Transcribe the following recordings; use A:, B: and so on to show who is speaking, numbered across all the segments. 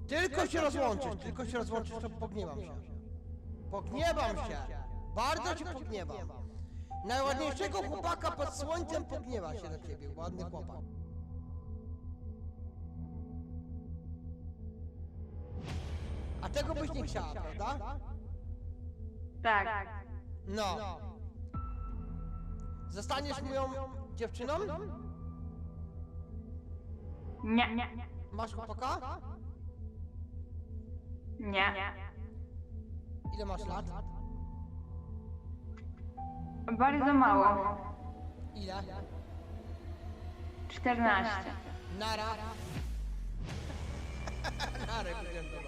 A: Tylko się rozłączysz, to pogniewam się. Pogniewam się. Bardzo cię pogniewam. Najładniejszego chłopaka pod słońcem pogniewa się na ciebie, ładny chłopak. A tego byś nie chciała, prawda?
B: Tak.
A: No. Zostaniesz moją dziewczyną?
B: Nie.
A: Masz chłopaka?
B: Nie.
A: Ile masz lat?
B: Bardzo mało.
A: Ile?
B: 14.
A: Nara. Nara wygląda.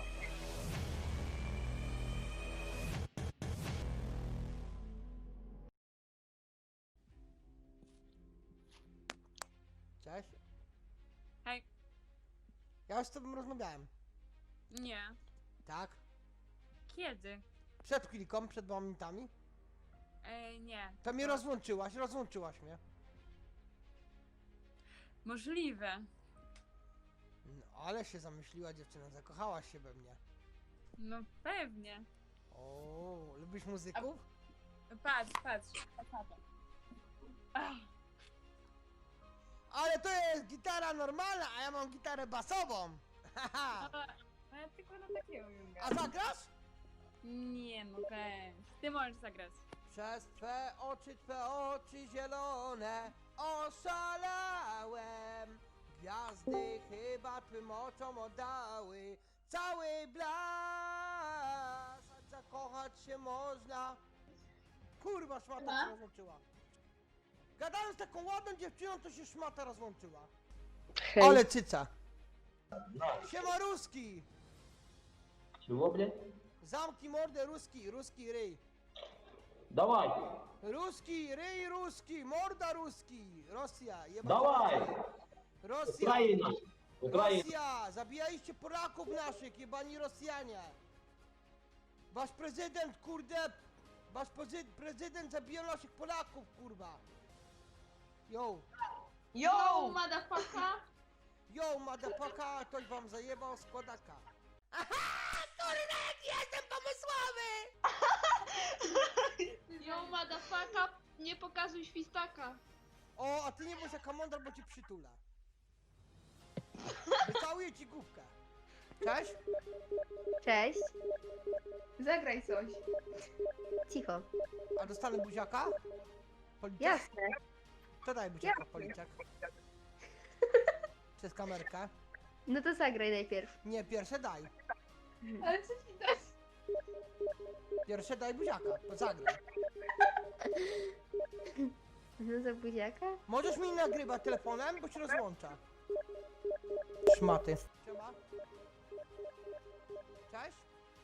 A: Cześć.
C: Hej.
A: Ja już z tobą rozmawiałem.
C: Nie.
A: Tak?
C: Kiedy?
A: Przed chwilką, przed momentami.
C: Nie.
A: To mnie rozłączyłaś mnie.
C: Możliwe.
A: No, ale się zamyśliła dziewczyna, zakochałaś się we mnie.
C: No pewnie.
A: O, lubisz muzyków?
C: Patrz. Ach,
A: Ale to jest gitara normalna, a ja mam gitarę basową. Haha.
C: no ja tylko na takiego umiem
A: A
C: grać.
A: zagrasz?
C: Nie no weź. Ty możesz zagrać.
A: Przez twe oczy zielone oszalałem. Gwiazdy chyba twym oczom oddały cały blask. Zakochać się można. Kurwa, szmata się rozłączyła. Gadałem z taką ładną dziewczyną, to się szmata rozłączyła. Ale cyca. Siema Ruski.
D: Чего, блядь?
A: Zamknij mordę ruski ryj.
D: Давай!
A: Ruski, ryj ruski, morda ruski. Rosja, jebać.
D: Давай!
A: Rosja,
D: Украина! Украина!
A: Rosja, zabijaliście Polaków naszych, jebani Rosjanie. Wasz prezydent, kurde, prezydent zabijał naszych Polaków, kurwa. Yo,
E: Yo, motherfucker!
A: yo, madapaka, ktoś wam zajebał składaka. Aha, kurde, jestem pomysłowy!
E: Yo, motherfucker! Nie pokazuj świstaka!
A: O, a ty nie bądź jaka mądra, bo cię przytulę. Wycałuję ci główkę. Cześć?
F: Cześć.
E: Zagraj coś.
F: Cicho.
A: A dostanę buziaka? Policzek?
F: Jasne.
A: To daj buziaka, policzek. Przez kamerkę.
F: No to zagraj najpierw.
A: Nie, pierwsze daj.
E: Ale co ci dać?
A: Pierwsze daj buziaka, to zagraj.
F: No za buziaka?
A: Możesz mi nagrywać telefonem, bo się rozłącza. Szmaty. Siema. Cześć?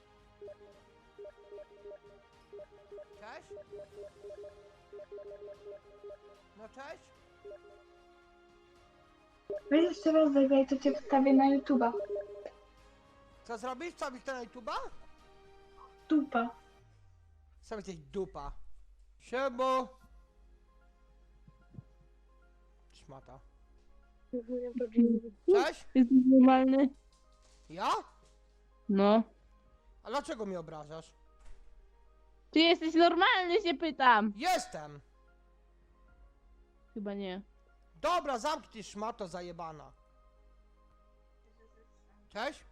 A: Cześć? No cześć?
G: Weź jeszcze raz zagraj, to cię wstawię na YouTube'a.
A: Co zrobisz? Wstawisz to na YouTube'a?
G: Dupa.
A: Wstawisz coś dupa. Siemo. Szmata. Cześć?
H: Jesteś normalny?
A: Ja?
H: No.
A: A dlaczego mnie obrażasz?
H: Czy jesteś normalny, się pytam?
A: Jestem!
H: Chyba nie.
A: Dobra, zamknij szmato zajebana. Cześć?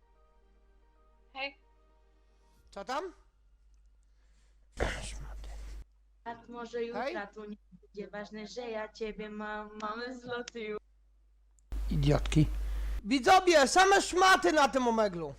E: Hej.
A: Co tam?
I: A może jutra tu nie będzie ważne, że ja ciebie mam, mamy zloty już.
A: Idiotki. Widzowie, same szmaty na tym omeglu.